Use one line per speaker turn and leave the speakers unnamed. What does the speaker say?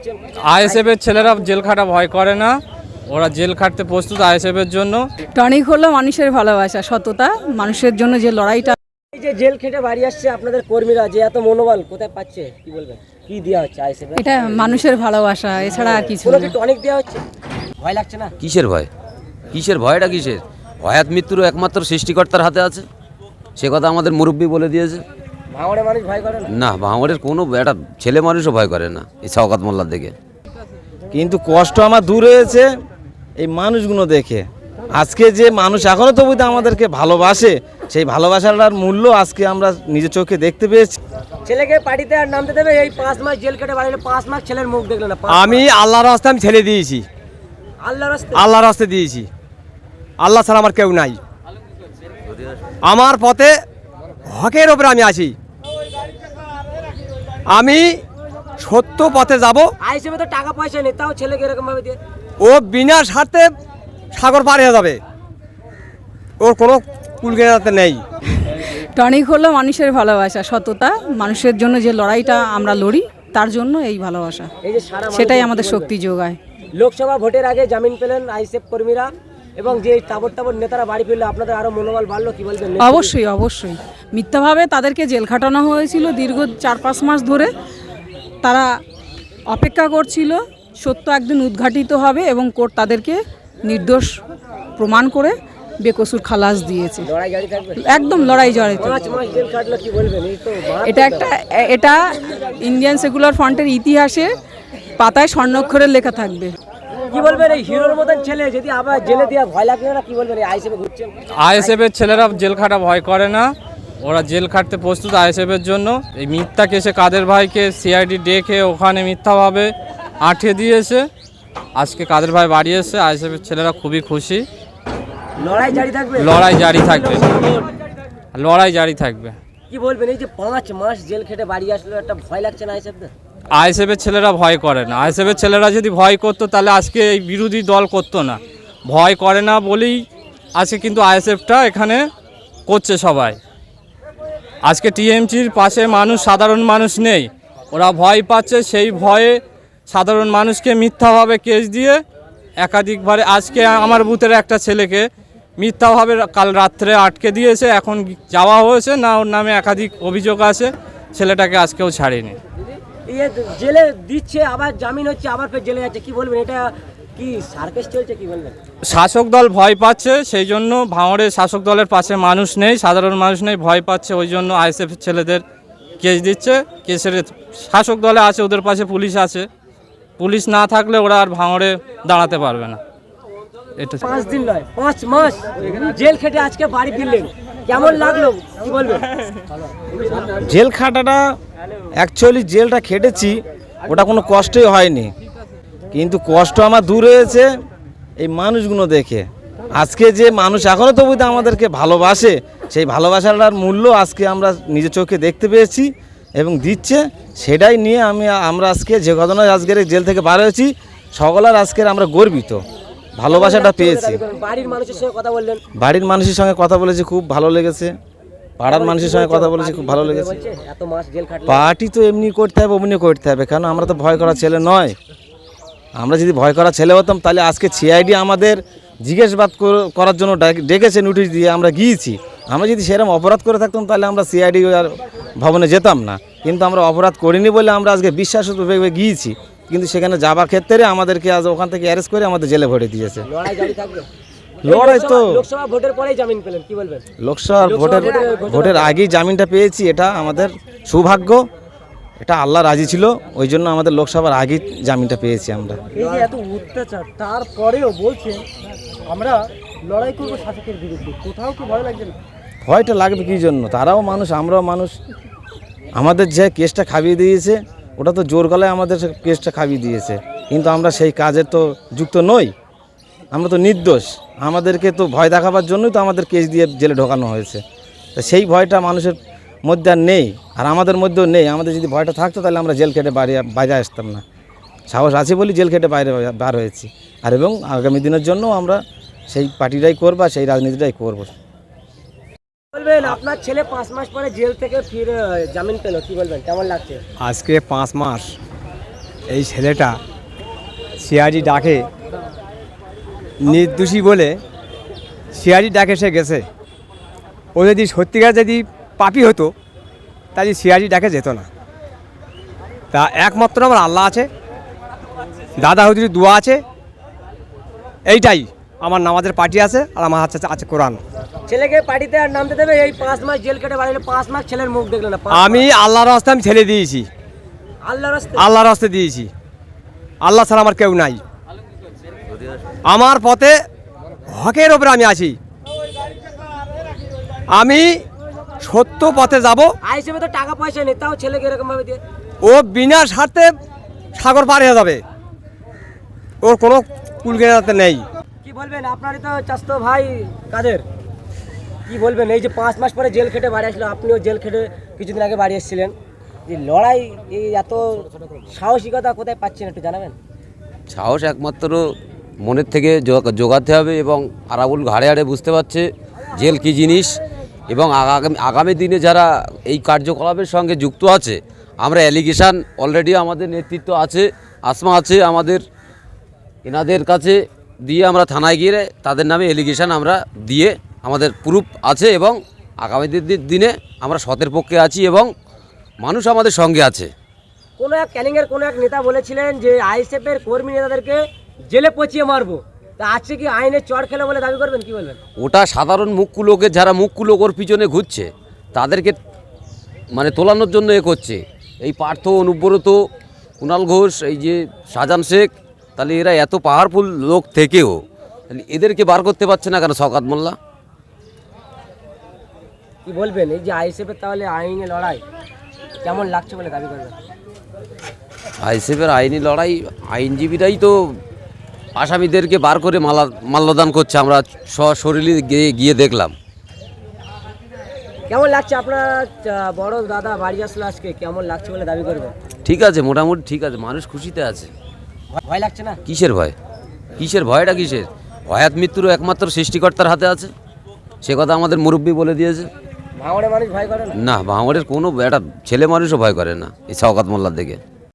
ঘুরছেন?
আইএসএফ এর ছেলেরা জেল খাটা ভয় করে না, ওরা জেল খাটতে প্রস্তুত আইএসএফ এর জন্য।
টনিক হলো মানুষের ভালোবাসা, সততা, মানুষের জন্য যে লড়াইটা।
এই যে জেল খেটে বাড়ি আসছে আপনাদের কর্মীরা, যে এত মনোবল কোথায় পাচ্ছে কি বলবেন? কি দেওয়া হচ্ছে আইএসএফ?
এটা মানুষের ভালোবাসা, এছাড়া আর কিছু
কোনো
না।
কি টনিক দেওয়া হচ্ছে? ভয় লাগছে না?
কিসের ভয়? কিসের ভয়টা কিসের? হয়াত মৃত্যুর একমাত্র সৃষ্টিকর্তার হাতে আছে, সে কথা আমাদের মুরব্বী বলে দিয়েছে।
ভাঙড়ে মানুষ ভয় করে না?
না, ভাঙড়ের কোনো একটা ছেলে মানুষও ভয় করে না এই শওকত মোল্লার দেখে।
কিন্তু কষ্ট আমার দূর হয়েছে এই মানুষগুলো দেখে। আজকে যে মানুষ এখনও তবু আমাদেরকে ভালোবাসে, সেই ভালোবাসাটার মূল্য আজকে আমরা নিজের চোখে দেখতে পেয়েছি।
ছেলেকে পার্টিতে আর নামতে দেবে? এই 5 মাস জেল কেটে বাড়ি 5 মাস ছেলের মুখ দেখলো না।
আমি আল্লাহর রাস্তায় আমি ছেড়ে দিয়েছি,
আল্লাহর রাস্তায়?
আল্লাহর রাস্তায় দিয়েছি। আল্লাহ ছাড়া আমার কেউ নাই। আমার পথে হকের ওপরে আমি আছি। আমি সত্য পথে যাব।
আইএসএফ তো টাকা পয়সা নেই, তাও ছেলেকে এরকম ভাবে দিয়ে?
ও বিনা স্বার্থে সাগর পার হয়ে যাবে, ওর কোনো কুলকেনাতে নেই।
টনিক হলো মানুষের ভালোবাসা, সততা, মানুষের জন্য যে লড়াইটা আমরা লড়ি, তার জন্য এই ভালোবাসা,
এই যে সারা
সেটাই আমাদের শক্তি যোগায়।
লোকসভা ভোটের আগে জামিন পেলেন আইএসএফ কর্মীরা, এবং যে তাবড় তাবড় নেতারা বাড়ি ফিরলো, আপনাদের আরো মনোবল বাড়লো, কি বলবেন?
অবশ্যই অবশ্যই। মিথ্যাভাবে তাদেরকে জেল খাটানো হয়েছিল দীর্ঘ 4-5 মাস ধরে। তারা অপেক্ষা করছিল সত্য একদিন উদ্ঘাটিত হবে এবং কোর্ট তাদেরকে নির্দোষ প্রমাণ করে বেকসুর খালাস দিয়েছে।
লড়াই জারি থাকবে?
একদম লড়াই জারি থাকবে।
5 মাস জেল কাটলো, কি বলবেন? এই তো
এটা ইন্ডিয়ান সেকুলার ফ্রন্টের ইতিহাসে পাতায় স্বর্ণাক্ষরে লেখা থাকবে।
কি বলবেন এই হিরোর মতন ছেলে যদি আবার জেলে দেওয়া ভয় লাগবে না? কি বলবেন? এই আইএসএফ ঘুরছেন?
আইএসএফ এর ছেলেরা জেল খাটা ভয় করে না, ওরা জেল খাটতে প্রস্তুত আইএসএফ এর জন্য। এই মিথ্যা কেসে কাদের ভাইকে সিআইডি ডেকে ওখানে মিথ্যাভাবে আটকে দিয়েছে। আজকে কাদের ভাই বাড়ি এসে আইএসএফ এর ছেলেরা খুবই খুশি।
লড়াই জারি থাকবে?
লড়াই জারি থাকবে, লড়াই জারি থাকবে।
কি বলবেন এই যে 5 মাস জেল খেটে বাড়ি আসলো, একটা ভয় লাগছে না আইএসএফ?
আইএসএফ এর ছেলেরা ভয় করে না। আইএসএফ এর ছেলেরা যদি ভয় করতো তাহলে আজকে এই বিরোধী দল করতো না। ভয় করে না বলেই আজকে কিন্তু আইএসএফটা এখানে করছে সবাই। আজকে টিএমসির পাশে মানুষ, সাধারণ মানুষ নেই, ওরা ভয় পাচ্ছে। সেই ভয়ে সাধারণ মানুষকে মিথ্যাভাবে কেস দিয়ে একাধিকবারে, আজকে আমার বুথের একটা ছেলেকে মিথ্যাভাবে কাল রাত্রে আটকে দিয়েছে। এখন যাওয়া হয়েছে না, ওর নামে একাধিক অভিযোগ আছে, ছেলেটাকে আজকেও ছাড়েনি।
জেলে দিচ্ছে, আবার জামিন হচ্ছে, আবার ফের জেলে যাচ্ছে, কি বলবেন? এটা কি সার্কাস চলছে, কি বলবেন?
শাসক দল ভয় পাচ্ছে, সেই জন্য ভাঙড়ের শাসক দলের পাশে মানুষ নেই, সাধারণ মানুষ নেই, ভয় পাচ্ছে, ওই জন্য আইএসএফ ছেলেদের কেস দিচ্ছে। কেসের শাসক দলে আছে, ওদের পাশে পুলিশ আছে, পুলিশ না থাকলে ওরা আর ভাঙড়ে দাঁড়াতে পারবে না। এটা
5 দিন নয়, 5 মাস জেল খেটে আজকে বাড়ি ফিরলেন, কেমন লাগলো কি বলবেন?
জেল খাটাটা অ্যাকচুয়ালি জেলটা খেটেছি, ওটা কোনো কষ্টই হয়নি, কিন্তু কষ্ট আমার দূর হয়েছে এই মানুষগুলো দেখে। আজকে যে মানুষ এখনও তবু আমাদেরকে ভালোবাসে, সেই ভালোবাসাটার মূল্য আজকে আমরা নিজের চোখে দেখতে পেয়েছি এবং দিচ্ছে। সেটাই নিয়ে আমরা আজকে যে ঘটনায় আজকের জেল থেকে বার হয়েছি, সকলের আজকের আমরা গর্বিত, ভালোবাসাটা পেয়েছি।
বাড়ির মানুষের সঙ্গে কথা বললেন?
বাড়ির মানুষের সঙ্গে কথা বলেছি, খুব ভালো লেগেছে। পাড়ার মানুষের সঙ্গে কথা বলেছি, খুব ভালো লেগেছে।
এত মাস জেল খাটলেন?
পার্টি তো এমনি করতে হবে, অমনি করতে হবে, কারণ আমরা তো ভয় করা ছেলে নয়। আমরা যদি ভয় করা ছেলে হতাম তাহলে আজকে সিআইডি আমাদের জিজ্ঞাসাবাদ করার জন্য ডেকেছে, নোটিশ দিয়ে আমরা গিয়েছি। আমরা যদি সেরকম অপরাধ করে থাকতাম তাহলে আমরা সিআইডি আর ভবনে যেতাম না, কিন্তু আমরা অপরাধ করিনি বলে আমরা আজকে বিশ্বাসভাবে গিয়েছি, কিন্তু সেখানে যাবার ক্ষেত্রে আমাদেরকে আজ ওখান থেকে অ্যারেস্ট করে আমাদের জেলে ভরে দিয়েছে।
লড়াই জারি থাকবে?
লড়াই তো
লোকসভা ভোটের পরেই জামিন পেলেন, কি বলবেন?
লোকসভা ভোটের আগেই জামিনটা পেয়েছি, এটা আমাদের সৌভাগ্য, এটা আল্লাহ রাজি ছিল, ওই জন্য আমাদের লোকসভার আগেই জামিনটা পেয়েছি আমরা।
এই যে এত অত্যাচার, তারপরেও বলছেন আমরা লড়াই করবো শাসকের বিরুদ্ধে, কোথাও কি ভয় লাগছে না?
ভয়টা লাগবে কী জন্য? তারাও মানুষ, আমরাও মানুষ। আমাদের যে কেসটা খাইয়ে দিয়েছে, ওটা তো জোর গলায় আমাদের কেসটা খাইয়ে দিয়েছে, কিন্তু আমরা সেই কাজে তো যুক্ত নই, আমরা তো নির্দোষ। আমাদেরকে তো ভয় দেখাবার জন্যই তো আমাদের কেস দিয়ে জেলে ঢোকানো হয়েছে। তা সেই ভয়টা মানুষের মধ্যে আর নেই, আর আমাদের মধ্যেও নেই। আমাদের যদি ভয়টা থাকতো তাহলে আমরা জেল খেটে বাইরে আসতাম না। সাহস আছে বলি জেল খেটে বার হয়েছি, আর এবং আগামী দিনের জন্য আমরা সেই পার্টিটাই করব, সেই রাজনীতিটাই করব।
বলবেন আপনার ছেলে 5 মাস পরে জেল থেকে ফিরে জামিন পেল, কি বলবেন, কেমন লাগছে?
আজকে 5 মাস এই ছেলেটা সিআইডি ডাকে নির্দোষী বলে সিআইডি ডাকে সে গেছে। ও যদি সত্যিকার যদি পাপী হতো তাহলে সিআইডি ডাকে যেত না। তা একমাত্র আমার আল্লাহ আছে, দাদা হুজুর দোয়া আছে, এইটাই আমার নামাজের পার্টি আছে, আর আমার হাতে আছে কোরআন।
ছেলেকে পার্টিতে আর নামতে দেবে? এই 5 মাস জেল কেটে বাড়ি 5 মাস ছেলের মুখ দেখলো না।
আমি আল্লাহর রাস্তা আমি ছেড়ে দিয়েছি,
আল্লাহর রাস্তায়
আল্লাহর রাস্তা দিয়েছি। আল্লাহ ছাড়া আমার কেউ নাই। আমার পথে হকের ওপরে আমি আছি। আমি সত্য পথে যাব।
আইসিএফে তো টাকা পয়সা নেই, তাও ছেলেকে এরকম ভাবে দিয়ে
ও বিনা স্বার্থে সাগর পার হয়ে যাবে, ওর কোনো কুলকেনাতে নেই।
কি বলবেন? আপনারই তো চাচতো ভাই কাদের, কি বলবেন? এই যে 5 মাস পরে জেল খেটে বাড়ি আসলো, আপনিও জেল খেটে কিছুদিন আগে বাড়ি এসেছিলেন, যে লড়াই, এই এত সাহসিকতা কোথায় পাচ্ছেন একটু জানাবেন?
সাহস একমাত্র মনের থেকে জোগাতে হবে, এবং আরাবুল ঘাড়ে হাড়ে বুঝতে পারছে জেল কী জিনিস, এবং আগামী দিনে যারা এই কার্যকলাপের সঙ্গে যুক্ত আছে, আমরা অ্যালিগেশান অলরেডি আমাদের নেতৃত্ব আছে, আসমা আছে আমাদের, এনাদের কাছে দিয়ে আমরা থানায় গিয়ে তাদের নামে অ্যালিগেশান আমরা দিয়ে আমাদের প্রুফ আছে, এবং আগামী দিনে আমরা সতের পক্ষে আছি এবং মানুষ আমাদের সঙ্গে আছে।
কোনো এক ক্যানিংয়ের কোনো এক নেতা বলেছিলেন যে আইএসএফের কর্মী নেতাদেরকে জেলে পচিয়ে মারবো, তা আজকে কি আইনের চড় খেলে বলে দাবি করবেন? কি বলবেন?
ওটা সাধারণ মুখ্য লোকের, যারা মুখ্য লোক ওর পিছনে ঘুরছে তাদেরকে মানে তোলানোর জন্য এ করছে। এই পার্থ, অনুব্রত, কুণাল ঘোষ, এই যে শাহজাহান শেখ, তাহলে এরা এত পাওয়ারফুল লোক থেকেও তাহলে এদেরকে বার করতে পারছে না কেন শওকত মোল্লা?
কি বলবেন এই যে আইএসএফের তাহলে আইনে লড়াই কেমন লাগছে বলে দাবি করবেন?
আইএসএফের আইনি লড়াই, আইনজীবীরাই তো আসামিদেরকে বার করে মাল্যদান করছে, আমরা সশরীরে গিয়ে দেখলাম।
কেমন লাগছে আপনার বড় দাদা বাড়ি আসলো আজকে, কেমন লাগছে বলে দাবি করবেন?
ঠিক আছে, মোটামুটি ঠিক আছে, মানুষ খুশিতে আছে।
ভয় লাগছে না?
কিসের ভয়? কিসের ভয়টা কিসের? হয়াত মৃত্যুরও একমাত্র সৃষ্টিকর্তার হাতে আছে, সে কথা আমাদের মুরব্বী বলে দিয়েছে।
ভাঙড়ে মানুষ ভয় করে না?
না, ভাঙড়ের কোনো একটা ছেলে মানুষও ভয় করে না এই শওকত মোল্লার দিকে।